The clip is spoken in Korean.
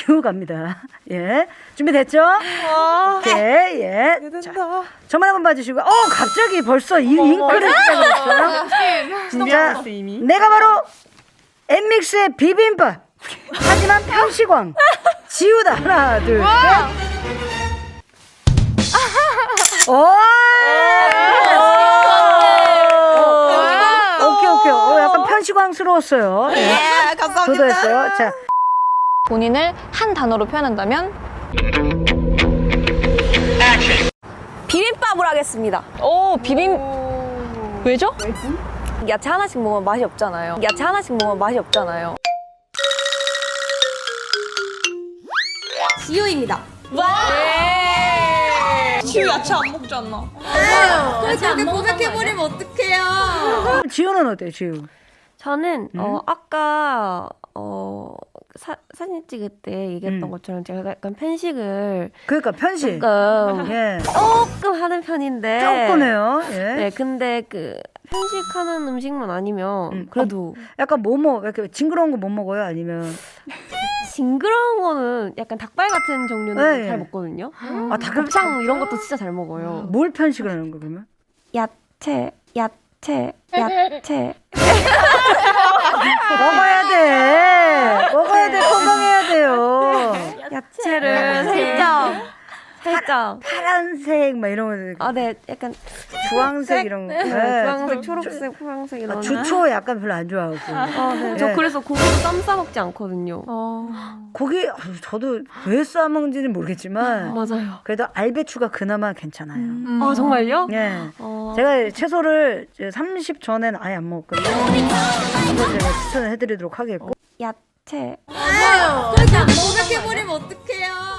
지우 갑니다. 예. 준비됐죠? 오케이, 예. 자, 저만 한번 봐주시고, 갑자기 벌써 잉크를 시작했어요. 자, 내가 바로 엠믹스의 비빔밥. 하지만 편식왕. 지우다. 하나, 둘, 셋. 오케이. 약간 편식왕스러웠어요. 예, 감사합니다. 저도 했어요. 자. 본인을 한 단어로 표현한다면? 비빔밥을 하겠습니다. 왜죠? 야채 하나씩 먹으면 맛이 없잖아요. 지우입니다. 지우 야채 안 먹잖아. 그렇게 고백해버리면 어떡해요. 지우는 어때요, 지우? 저는 아까 사진 찍을 때 얘기했던 것처럼 제가 약간 편식을 그러니까 편식. 조금 예. 조금 하는 편인데 조금해요. 예. 네, 근데 그 편식하는 음식만 아니면 그래도 약간 이렇게 징그러운 거 못 먹어요? 아니면 징그러운 거는 약간 닭발 같은 종류는 네. 잘 먹거든요. 닭 곱창 이런 것도 진짜 잘 먹어요. 뭘 편식을 하는 거 그러면? 야채. 먹어야 돼. 건강해야 돼요. 야채를 살짝 파란색 막 이런 거. 네, 약간 주황색 이런 거. 네. 주황색, 초록색, 파란색 이런. 주초 약간 별로 안 좋아하고. 네. 저 예. 그래서 고기도 쌈 싸 먹지 않거든요. 고기 저도 왜 싸먹는지는 모르겠지만 맞아요. 그래도 알배추가 그나마 괜찮아요. 아, 정말요? 예. 제가 채소를 30 전에는 아예 안 먹었거든요. 그래서 제가 추천을 해드리도록 하겠고. 야채. 그렇게 고백해버리면 어떡해요.